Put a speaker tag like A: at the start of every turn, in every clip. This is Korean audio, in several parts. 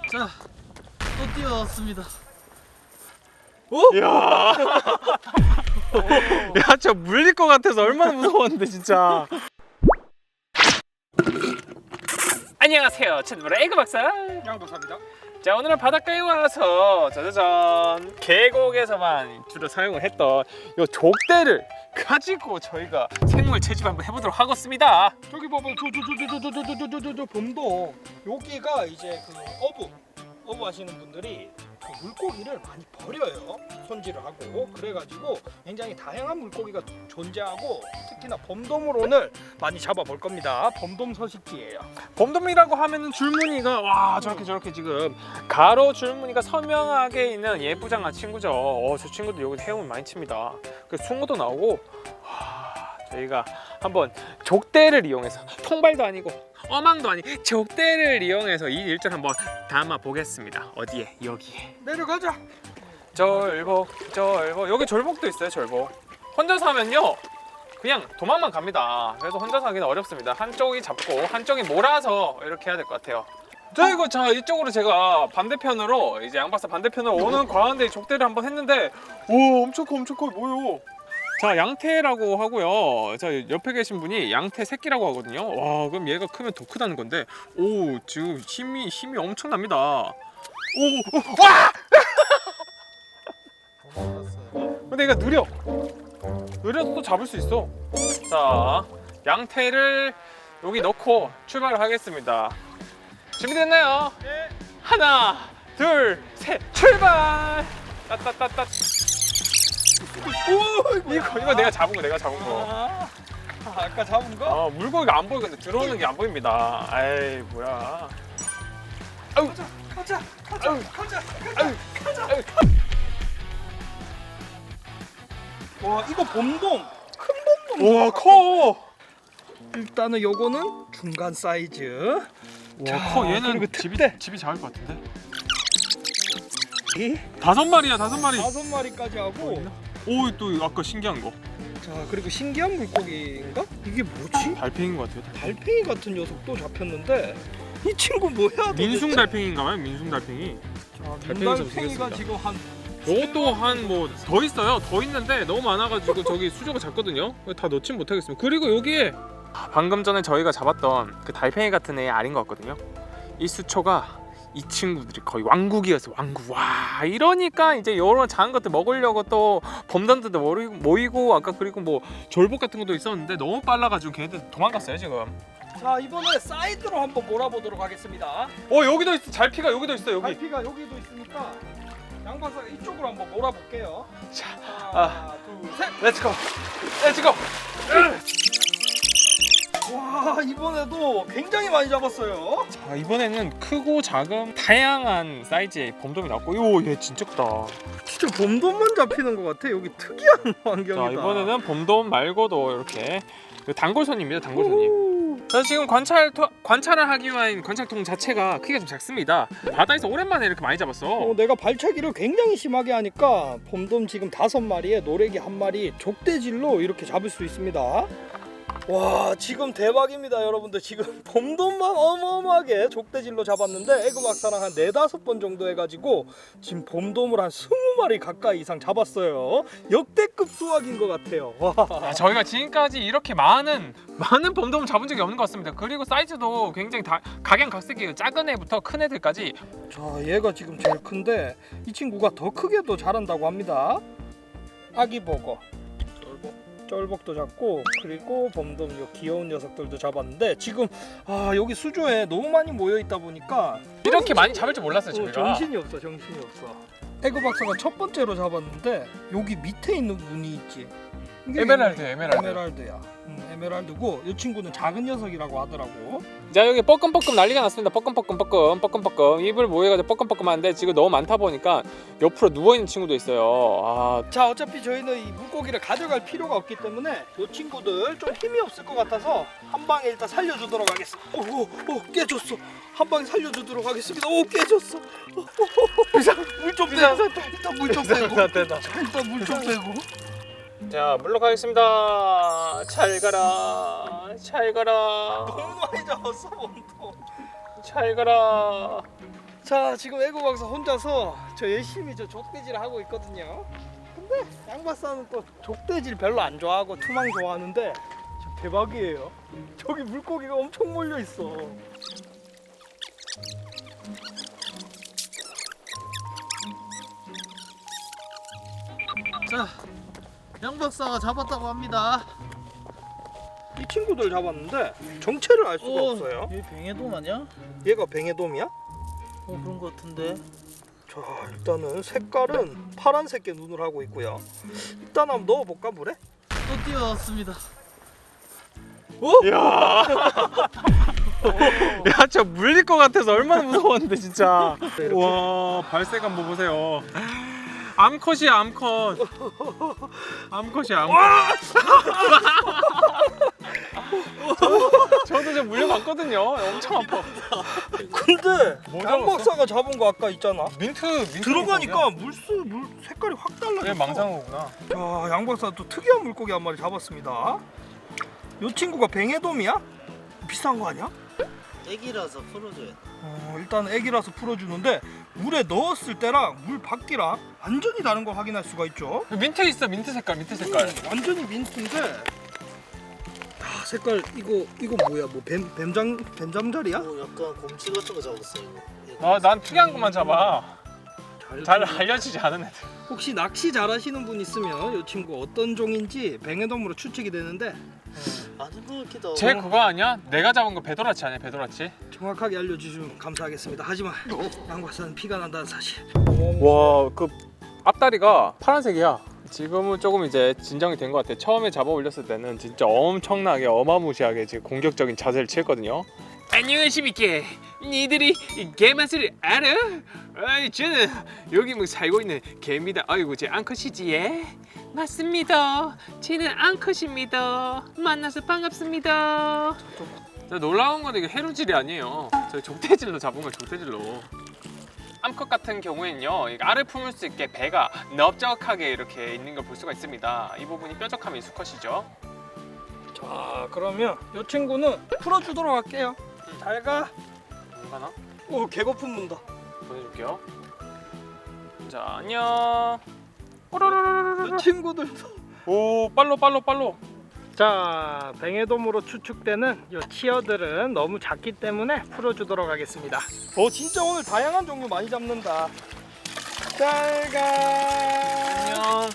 A: 자, 또 뛰어왔습니다.
B: 야, 야, 저 물릴 것 같아서 얼마나 무서웠는데 진짜. 안녕하세요, 채널의 에그 박사
A: 양박사입니다.
B: 자, 오늘은 바닷가에 와서 짜자잔 계곡에서만 주로 사용을 했던 이 족대를 가지고 저희가 생물 채집 한번 해보도록 하겠습니다.
A: 저기 봐봐, 저 봄동. 여기가 이제 그 어부 하시는 분들이 그 물고기를 많이 버려요. 손질을 하고 그래가지고 굉장히 다양한 물고기가 존재하고 특히나 봄돔을 오늘 많이 잡아볼 겁니다. 봄돔 서식지예요.
B: 봄돔이라고 하면은 줄무늬가 와 저렇게 지금 가로 줄무늬가 선명하게 있는 예쁘장한 친구죠. 저 친구도 여기 헤엄을 많이 칩니다. 그 숭어도 나오고 저희가 한번 족대를 이용해서 통발도 아니고 어망도 아닌 족대를 이용해서 이 일전 한번 담아 보겠습니다. 어디에? 여기에.
A: 내려가자.
B: 절복 여기 절복도 있어요. 절복 혼자서 하면요 그냥 도망만 갑니다. 그래서 혼자서 하기는 어렵습니다. 한쪽이 잡고 한쪽이 몰아서 이렇게 해야 될 것 같아요. 자 이쪽으로 제가 반대편으로 이제 양박사 반대편으로 오는 과한데 족대를 한번 했는데 오 엄청 커 뭐요. 자 양태라고 하고요. 자 옆에 계신 분이 양태 새끼라고 하거든요. 와 그럼 얘가 크면 더 크다는 건데 오 지금 힘이 엄청납니다. 와! 근데 얘가 느려서 또 잡을 수 있어. 자 양태를 여기 넣고 출발을 하겠습니다. 준비됐나요?
A: 네.
B: 하나 둘 셋 출발. 따따따따.
A: 오,
B: 이거 내가 잡은 거.
A: 아까 잡은 거?
B: 물고기가 안 보여. 근데 들어오는 게 안 보입니다. 에이 뭐야. 아우
A: 가자. 와, 이거 봄돔. 큰 봄돔.
B: 우와 커.
A: 일단은 요거는 중간 사이즈.
B: 와 커. 얘는
A: 그리고
B: 집이 작을 것 같은데.
A: 이
B: 5마리야.
A: 5마리까지 하고.
B: 오 또 아까 신기한 거.
A: 자, 그리고 신기한 물고기인가? 이게 뭐지?
B: 달팽이인 것 같아요.
A: 달팽이 같은 녀석도 잡혔는데 이 친구 뭐야? 도대체?
B: 민숭 달팽이인가봐요. 민숭 달팽이.
A: 자,
B: 달팽이처럼
A: 달팽이가
B: 생겼습니다.
A: 지금 한
B: 이것도 한 뭐 더 있어요. 더 있는데 너무 많아가지고 저기 수조가 작거든요. 다 넣진 못하겠습니다. 그리고 여기에 방금 전에 저희가 잡았던 그 달팽이 같은 애 알인 것 같거든요. 이 수초가 이 친구들이 거의 왕국이었어요. 왕국. 와 이러니까 이제 이런 작은 것들 먹으려고 또 범단들도 모이고 아까 그리고 뭐 졸복 같은 것도 있었는데 너무 빨라가지고 걔네들 도망갔어요 지금.
A: 자, 이번에 사이드로 한번 몰아보도록 하겠습니다.
B: 여기도 있어. 잘피가 여기도 있어. 여기.
A: 갈피가 여기도 있으니까 양 박사가 이쪽으로 한번 몰아볼게요.
B: 자,
A: 하나, 둘, 셋.
B: 렛츠고.
A: 와, 이번에도 굉장히 많이 잡았어요.
B: 자 이번에는 크고 작은 다양한 사이즈의 봄돔이 나왔고 얘 진짜 크다.
A: 진짜 봄돔만 잡히는 것 같아. 여기 특이한 환경이다.
B: 자 이번에는 봄돔 말고도 이렇게 단골손입니다. 단골손님. 자 지금 관찰을 하기 위한 관찰통 자체가 크기가 좀 작습니다. 바다에서 오랜만에 이렇게 많이 잡았어.
A: 내가 발차기를 굉장히 심하게 하니까 봄돔 지금 5마리에 노래기 1마리 족대질로 이렇게 잡을 수 있습니다. 와, 지금 대박입니다. 여러분들 지금 봄돔만 어마어마하게 족대질로 잡았는데 에그 박사랑 한 4-5번 정도 해가지고 지금 봄돔을 한 20마리 가까이 이상 잡았어요. 역대급 수확인 것 같아요. 와.
B: 저희가 지금까지 이렇게 많은 봄돔을 잡은 적이 없는 것 같습니다. 그리고 사이즈도 굉장히 각양각색이에요. 작은 애부터 큰 애들까지.
A: 자, 얘가 지금 제일 큰데 이 친구가 더 크게도 자란다고 합니다. 아기버거, 쫄복도 잡고 그리고 봄돔 요 귀여운 녀석들도 잡았는데 지금 여기 수조에 너무 많이 모여 있다 보니까
B: 이렇게 많이 잡을 줄 몰랐어요 저희가.
A: 정신이 없어. 에그 박사가 첫 번째로 잡았는데 여기 밑에 있는 무늬 있지? 이게
B: 에메랄드야.
A: 에메랄드야. 에메랄드고 이 친구는 작은 녀석이라고 하더라고.
B: 자 여기 뻐끔뻐끔 난리가 났습니다. 뻐끔뻐끔 입을 모여가지고 뻐끔뻐끔한데 지금 너무 많다 보니까 옆으로 누워있는 친구도 있어요.
A: 자, 어차피 저희는 이 물고기를 가져갈 필요가 없기 때문에 이 친구들 좀 힘이 없을 것 같아서 한 방에 일단 살려주도록 하겠습니다. 오, 깨졌어. 한 방에 살려주도록 하겠습니다. 오, 깨졌어. 물 좀 빼고. 일단 물 좀 빼고.
B: 자 물러가겠습니다. 잘 가라.
A: 너무 많이 잡았어, 몸도.
B: 잘 가라.
A: 자, 지금 애고 박사 혼자서 저 열심히 저 족대질을 하고 있거든요. 근데 양 박사는 또 족대질 별로 안 좋아하고 투망 좋아하는데 지금 대박이에요. 저기 물고기가 엄청 몰려 있어. 자, 양 박사가 잡았다고 합니다. 이 친구들 잡았는데 정체를 알 수가 없어요.
C: 얘 뱅에돔 아니야?
A: 얘가 뱅에돔이야?
C: 그런 거 같은데.
A: 자, 일단은 색깔은 파란색의 눈을 하고 있고요. 일단 한번 넣어볼까 물에?
C: 또 뛰어왔습니다.
B: 야, 야, 저 물릴 것 같아서 얼마나 무서웠는데 진짜. 와, 발색 한번 보세요. 암컷이야, 암컷. 암컷이야, 암컷. 저도 좀 물려봤거든요. 엄청 아파.
A: 근데
B: 뭐
A: 양 박사가 잡은 거 아까 있잖아.
B: 민트
A: 들어가니까 물 색깔이 확 달라졌어.
B: 얘 망상어구나.
A: 자, 양 박사 또 특이한 물고기 한 마리 잡았습니다. 요 친구가 뱅에돔이야? 비싼 거 아니야?
C: 애기라서 풀어줘야 돼.
A: 일단 애기라서 풀어주는데 물에 넣었을 때랑 물 밖이랑 완전히 다른 걸 확인할 수가 있죠.
B: 민트 있어, 민트 색깔, 민트 색깔.
A: 완전히 민트인데. 아, 색깔 이거 뭐야? 뭐 뱀잠자리야?
C: 약간 곰치 같은 거 잡았어 이거.
B: 아, 난 특이한 것만 잡아. 잘 알려지지 않은 애들.
A: 혹시 낚시 잘하시는 분 있으면 이 친구 어떤 종인지 뱅에돔으로 추측이 되는데
C: 아닌 거 같기도 하고.
B: 쟤 그거 아니야? 내가 잡은 거 배도라치 아니야, 배도라치?
A: 정확하게 알려주시면 감사하겠습니다. 하지만 양 박사는 피가 난다는 사실.
B: 와, 그 앞다리가 파란색이야. 지금은 조금 이제 진정이 된 것 같아. 처음에 잡아 올렸을 때는 진짜 엄청나게 어마무시하게 지금 공격적인 자세를 취했거든요. 안녕하십니까. 니들이 개맛을 알아? 저는 여기 뭐 살고 있는 개입니다. 아이고, 제 암컷이지, 예? 맞습니다. 쟤는 암컷입니다. 만나서 반갑습니다. 놀라운 건 이게 해루질이 아니에요. 저 족대질로 잡은 거, 족대질로. 암컷 같은 경우에는요, 알을 품을 수 있게 배가 넓적하게 이렇게 있는 걸 볼 수가 있습니다. 이 부분이 뾰족하면 수컷이죠.
A: 자, 그러면 이 친구는 풀어주도록 할게요. 잘 가.
B: 뭔가나?
A: 오, 개거품 문다.
B: 보내줄게요. 자, 안녕. 오로로로로로.
A: 이 친구들도.
B: 오, 빨로.
A: 자, 뱅에돔으로 추측되는 이 치어들은 너무 작기 때문에 풀어주도록 하겠습니다. 진짜 오늘 다양한 종류 많이 잡는다. 잘 가.
B: 안녕.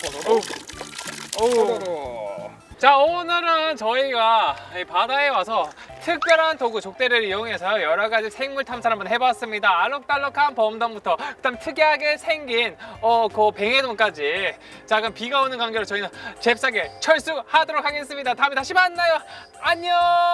A: 오.
B: 자, 오늘은 저희가 이 바다에 와서 특별한 도구 족대를 이용해서 여러 가지 생물 탐사를 한번 해봤습니다. 알록달록한 범돔부터 그다음 특이하게 생긴 그 뱅에돔까지. 자, 그럼 비가 오는 관계로 저희는 잽싸게 철수하도록 하겠습니다. 다음에 다시 만나요. 안녕.